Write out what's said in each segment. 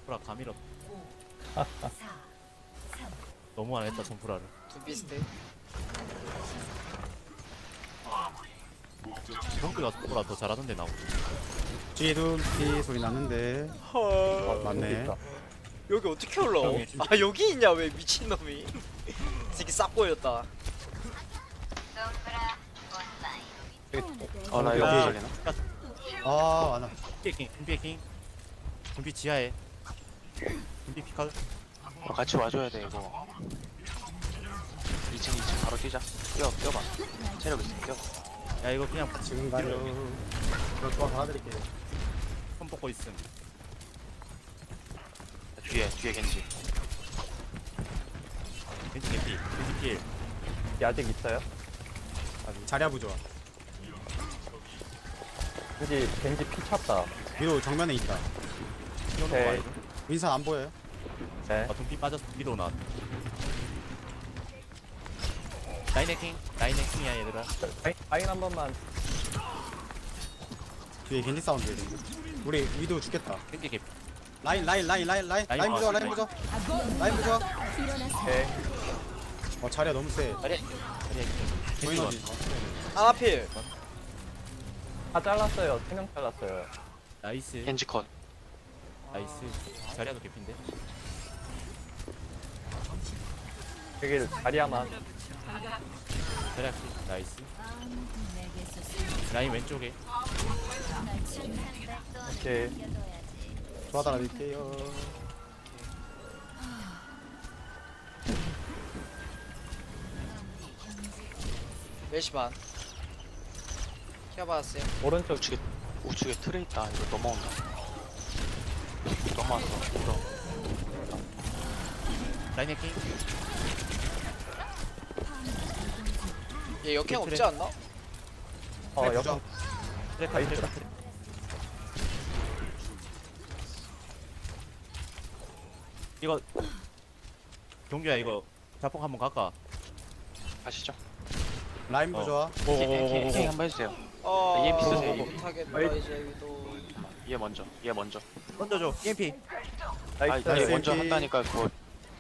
손프라 가밀었. 너무 안 했다 손프라를. 두 비슷해. 형크가 손프라 더 잘하던데 나오고. 뒤에 둠피 소리 났는데. 헐. 맞네. 여기 어떻게 올라와? 형이 아 여기 있냐 왜 미친놈이. 새끼 싹 보였다. 나 이거 야. 걸리나? 아, 많아. 둠피 해킹. 둠피 지하에. 둠피 피칼. 같이 와줘야 돼 이거. 2층 바로 뛰자. 뛰어봐. 체력 있어. 뛰어. 야 이거 그냥 지금 가요. 저 조합 받아드릴게요. 손 뽑고 있음. 뒤에 겐지. 겐지 개피. 겐지 필. 아직 있어요? 자리야 부좋아. 겐지 피 찼다. 위로 정면에 있다. 이런 거 오케이. 말이죠. 윈선 안 보여요? 네. 아 둠피 빠졌어. 위로 나왔. 라인 해킹이야 얘들아. 라인 한 번만. 뒤에 겐지 사운드. 우리 위도 죽겠다. 겐지 개피. 라인 부좋아. 라인 부좋아. 오케이. 자리야 너무 세. 자리야 겐지 보이는 원. 어디? 하나필. 다 잘랐어요. 3명 잘랐어요. 나이스. 겐지 컷. 나이스. 자리야도 개피인데. 여기 자리야만. 자리야 필. 나이스. 라인 왼쪽에. 오케이. 도와달라릴게요. 몇시 반. 키워봤어요. 오른쪽 우측에 틀에 있다. 이거 넘어온다. 넘어왔어. 울어. 라인 해킹. 얘 역행 그래. 없지 않나? 어 부좋아. 역 트레카 나이스. 트레카. 이거 경규야 이거 자폭 한번 갈까? 가시죠. 라인 부좋아. 킹 한번 해주세요. EMP 쓰세요, EMP. 못하겠다 이제 위도. 얘 먼저. 던져줘. EMP. 나이스. 얘 먼저 EMP. 한다니까 그거.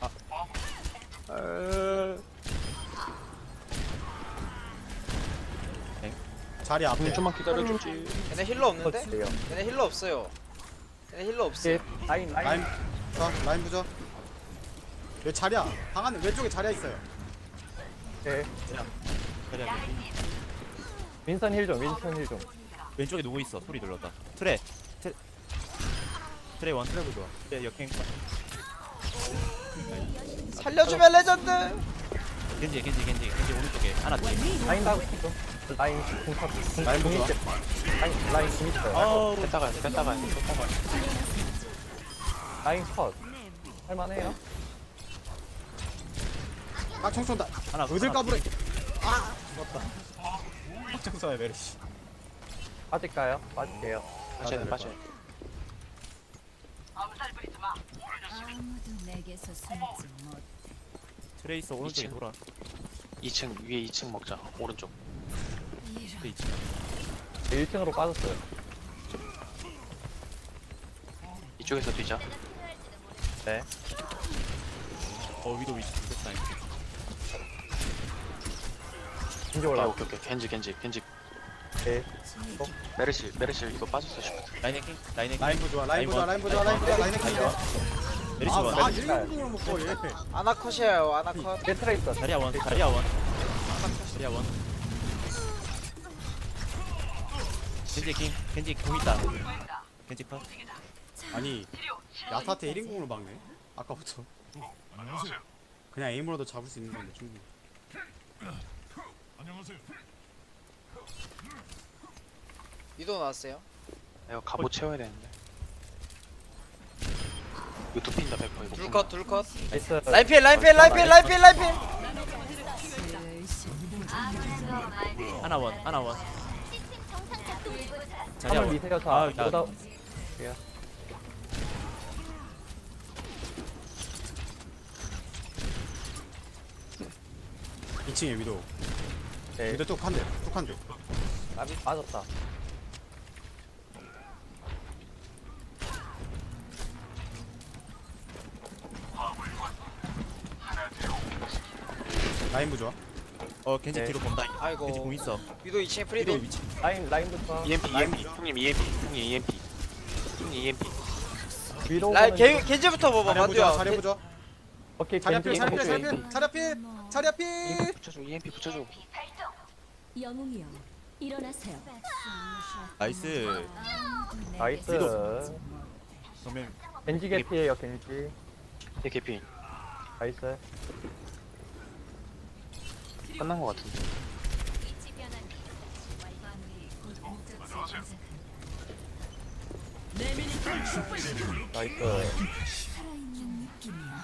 자리 앞에. 좀만 기다려주지. 얘네 힐러 없는데? 터치돼요. 얘네 힐러 없어요. 얘네 힐러 없어. 오케이. 라인. 라인 부좋아. 여기 자리야. 방 안에 왼쪽에 자리야 있어요. 오케이. 자리야 개피. 윈선 힐 좀. 왼쪽에 누구 있어? 소리 들렸다. 트레 원. 트레 부좋아. 트레 역행. 살려주면 레전드. 겐지 오른쪽에 하나 뒤에. 라인 다 있어. 라인 공탑. 라인 부좋아. 라인 공 있어요. 어우 뺐다가. 라인 컷. 할만해요? 깍총 쏜다. 하나. 어딜 하나 까불어. 아! 죽었다. 깍총 쏴요 메르시. 빠질까요? 빠질게요. 빠져. 아무도 내게서 숨지 못. 트레이서 오른쪽에 2층. 돌아. 2층 위에 2층 먹자. 오른쪽. 트레 2층. 1층으로 빠졌어요. 이쪽에서 뛰자. 네. 위도 위치 좋겠다. 겐지 오케이. 올라. 겐지. 오케이. 메르시 이거 빠졌어 싶어. 라인 해킹. 라인 부좋아. 라인 해킹이야. 메리시 아, 원. 1인공을 먹고 얘. 아나컷이에요. 아나컷. 트레이서. 자리야 원. 겐지 해킹. 겐지 공 있다. 겐지 컷. 아니 야타한테 1인공으로 막네. 아까부터. 그냥 에임으로도 잡을 수 있는 건데 충분히. 위도 나왔어요. 이거 갑옷 채워야 되는데. 이거 눕힌다 100% 이거. 둘컷. 나이스. 라인필. 하나 원. 자리야 한번 원. 미세요. 아, 자, 나- 보다 2층에 위도. 네. 위도 뚝 한 대. 나비 빠졌다. 라인 부좋아. 겐지 네. 뒤로 본다. 아이고. 겐지 공 있어. 위도 2층에 위도 프리드. 위치. 라인부터. EMP 형님 EMP 형님 EMP 위로. 라인 겐지부터 봐봐 자리 부좋아. 마두야. 자리 부좋아. 오케이, 자리 앞필. 겐지, 자리 앞필. 겐지. 자리 앞필. 자리 앞필. 자리 앞필. EMP 붙여줘 EMP 붙여줘. 영웅이여 일어나세요. 나이스. 나이스. 그러면 겐지 개피에요, 겐지. 얘 개피 나이스. 끝난 거 같은데. 나이스. 살아있는 느낌이야.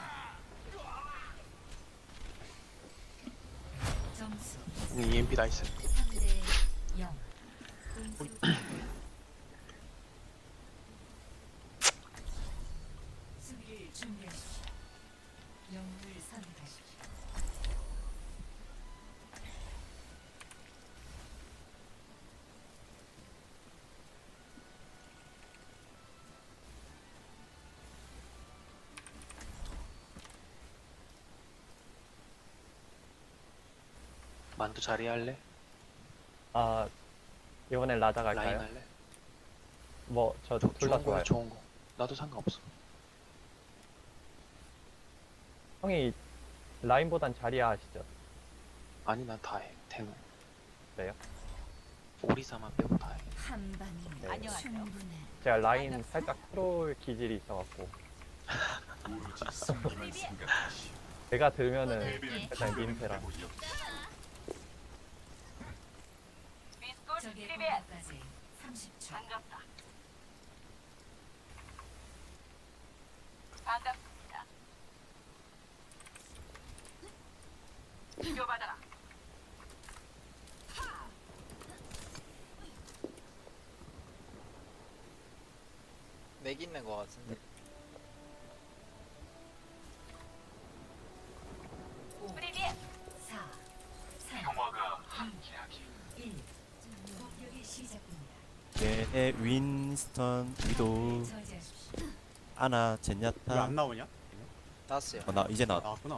점수 형님 EMP 나이스. 3대 0. 수비를 준비하십시오. 영웅을 선택하십시오. 만두 자리 할래? 아, 이번엔 라자 라인 갈까요? 할래? 뭐, 저 둘 다 좋은 거야 좋아요. 좋은 거. 나도 상관없어. 형이 라인보단 자리야 하시죠? 아니 난 다 해. 대노. 그래요? 오리사만 빼고 다 해. 한 방이면 네. 충분해. 제가 라인 살짝 트롤 기질이 있어갖고. 제가 들면은 일단 민폐라. 적의 공격까지 30초. 맥 있는 거 같은데. 4, 3, 2, 1. 공격이 시작됩니다. 네, 윈스턴, 위도, 저지하십시오. 아나, 왜 젠야타. 안 나오냐? 나왔어요. 나 이제 나왔다. 나왔구나.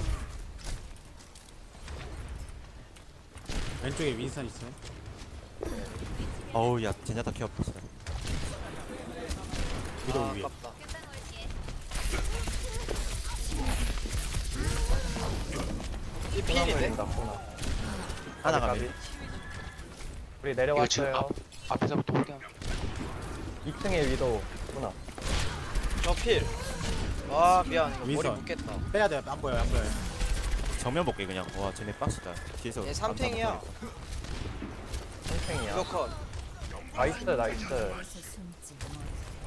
왼쪽에 윈선 있어요. 어우 야 젠야타 케어 진짜. 위도 아, 위에. 아깝다. 이 필인데? 코나. 하나가 까비. 밀. 우리 이거 지금 내려왔어요. 앞에서부터 홀딩. 2층에 위도 코나. 저 필. 아 미안 이거 머리 윈선. 묶겠다. 빼야 돼. 안 보여. 안 보여. 정면 볼게 그냥. 와 쟤네 빡시다. 뒤에서. 얘 3탱이야. 3층이야. 이거 컷. 나이스, 나이스. 에서 숨지 못.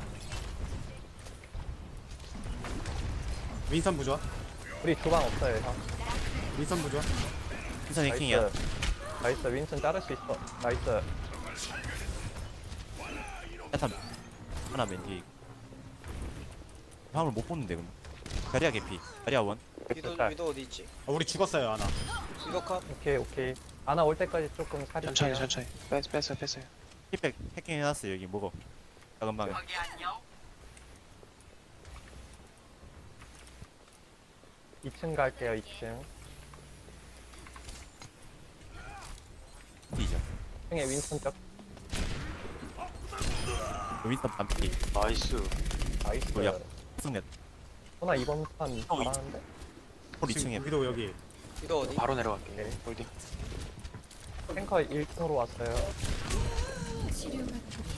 윈선 부좋아. 우리 주방 없어요, 형. 윈선 부좋아. 윈선 해킹이야. 나이스. 나이스, 윈슨 자를 수 있어. 나이스. 야타 하나 맨 뒤에. 화물 못 보는데 그럼. 자리야 개피. 자리야 원. 위도 어디 있지? 우리 죽었어요 하나. 위도 컷. 오케이, 오케이. 아나 올 때까지 조금 살릴게요. 천천히 뺐어요. 힙백 해킹해놨어 여기 먹어. 작은 방에. 2층 갈게요, 2층. 뒤져. 2층에 윈슨 쪽. 윈선 반피. 나이스. 나이스. 뭐야? 승net. 호나 이번 판 이- 잘하는데? 홀 2층에. 위도 여기. 위도 어디? 바로 내려갈게. 네. 홀딩. 탱커 1층으로 왔어요. 치료가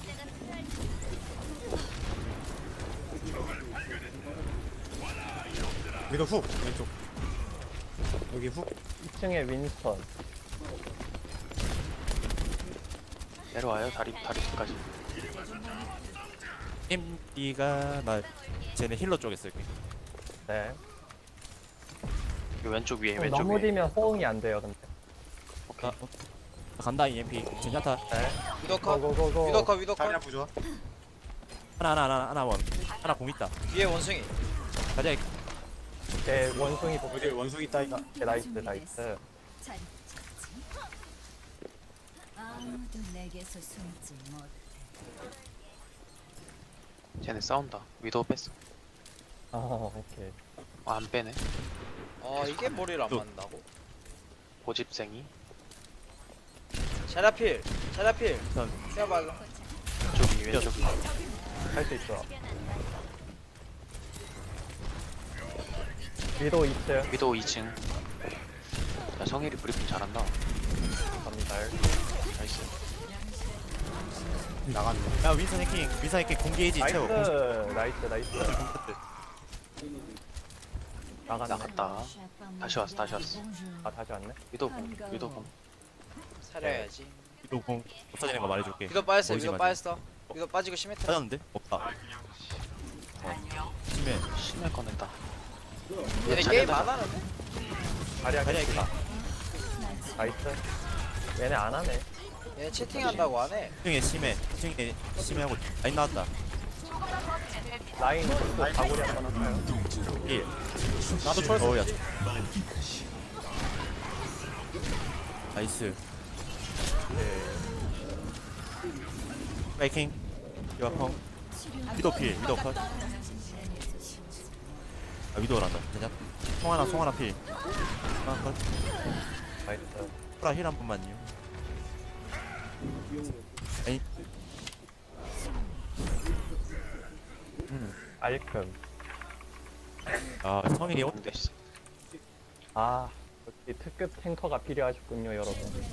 위도 훅. 왼쪽. 여기 훅. 2층에 윈스턴. 내려와요. 다리까지. MD가 나 쟤네 힐러 쪽에 쓸게. 네. 이 왼쪽 위에 좀 왼쪽 너무 위에. 뒤면 호응이 안 돼요, 근데. 오케이. 간다 EMP. 젠야타. 네. 위도 컷. 고고고고. 위도 컷. 위도 자리야 컷. 부좋아. 하나 원. 하나 공 있다. 위에 원숭이. 자리야 제 원숭이 복. 여기 원숭이 따위가. 네, 나이스, 나이스. 잘 붙였지. 아무도 내게서 숨지 못. 쟤네 싸운다. 위도 뺐어. 아, 오케이. 안 빼네. 아 이게 머리를 안 또. 맞는다고? 고집생이. 자라필 자라필 전 세어봐 왼쪽이 왼쪽이. 할 수 있어. 위도 2층 위도 2층. 야 성일이 브리핑 잘한다. 갑니다. 나이스. 나갔네. 야 윈선 해킹 공개해지 나이스 채워 나이스 나이스. 나갔네. 나갔다. 다시 왔어, 다시 왔어. 아 다시 왔네. 위도 공. 위도 공. 살려야지 위도 공 없어지는 거 말해줄게 위도 빠졌어 보이지 위도 마지. 빠졌어 위도 빠지고 심했다 빠졌는데? 없다 심해 심해 꺼냈다. 얘네 자리야, 게임 자리야. 안 하는데? 자리야 자리야 있다 나이스. 얘네 안 하네. 얘네 채팅한다고 안해 2층에 심해하고 라인 나왔다 라인 또 가구리 한번 할까요? 1 나도 철수. 어우야 나이스 파이킹 유아펑 위도 필 위도 컷 아, 위도란다 그냥 송하나 필 송하나 컷 나이스. 프라 힐 한 번만요 아니 알큼. 아 성일이 근데 씨, 아 역시 특급 탱커가 필요하셨군요 여러분.